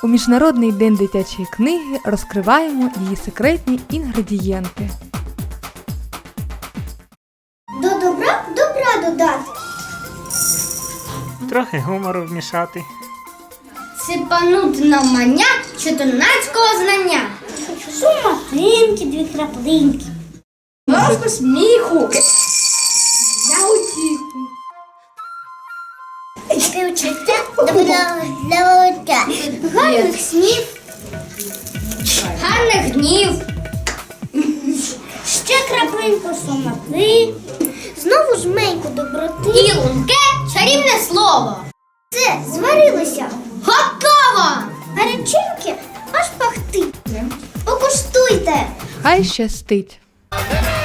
У Міжнародний день дитячої книги розкриваємо її секретні інгредієнти. До добра добра додати. Трохи гумору вмішати. Сипанути на мання чотирнацького знання. Шуматинки, 2 краплинки. Просто сміху. За утіху. Співчуття для волоття. Гарних снів. Гарних днів. Ще краплинку сумати. Знову жменьку доброти. І лунке чарівне слово. Все, зварилося. Готово! Гарячинки аж пахтить. Покуштуйте. Хай щастить!